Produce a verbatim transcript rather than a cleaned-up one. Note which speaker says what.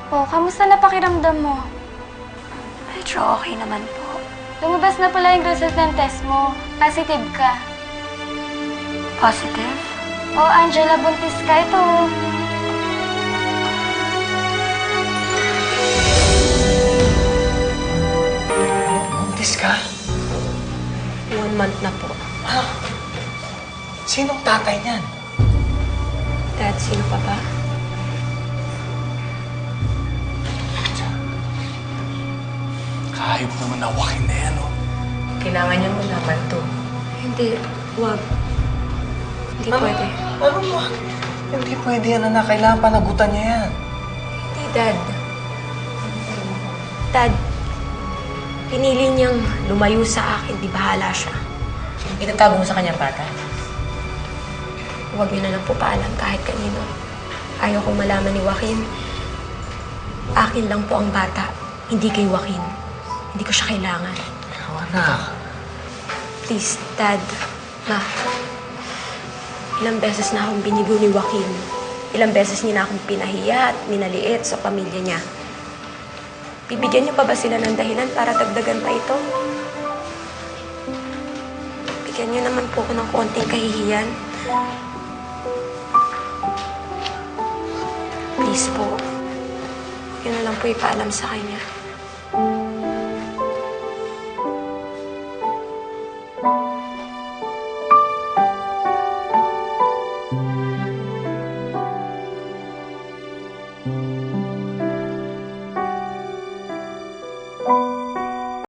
Speaker 1: Oh, kamusta na pakiramdam mo?
Speaker 2: Medyo okay naman po.
Speaker 1: Lumabas na pala yung result ng test mo. Positive ka.
Speaker 2: Positive?
Speaker 1: Oh, Angela, buntis ka. Ito.
Speaker 3: Buntis ka?
Speaker 2: One month na po.
Speaker 3: Ha? Sinong tatay niyan?
Speaker 2: Dad, sino pa ba?
Speaker 3: Kahayop naman nawakin na yan, oh.
Speaker 2: Kailangan niyo mo naman to. Hindi, wag. Hindi pwede.
Speaker 3: Ano mo? Hindi pwede yan, anak. Kailangan panagutan niya yan.
Speaker 2: Hindi, Dad. Dad, pinili niyang lumayo sa akin, di bahala siya.
Speaker 4: Itatago mo sa kanyang bata.
Speaker 2: Huwag niyo na lang po paalam kahit kanino. Ayaw kong malaman ni Joaquin. Akin lang po ang bata, hindi kay Joaquin. Hindi ko siya kailangan.
Speaker 3: Pero anak...
Speaker 2: Please, Dad, Ma. Ilang beses na akong binigo ni Joaquin. Ilang beses niya na akong pinahiya at minaliit sa pamilya niya. Bibigyan niyo pa ba sila ng dahilan para dagdagan pa ito? Bigyan niyo naman po ako ng konting kahihiyan. Please po. Yun na lang po ipaalam sa kanya.
Speaker 3: Thank you.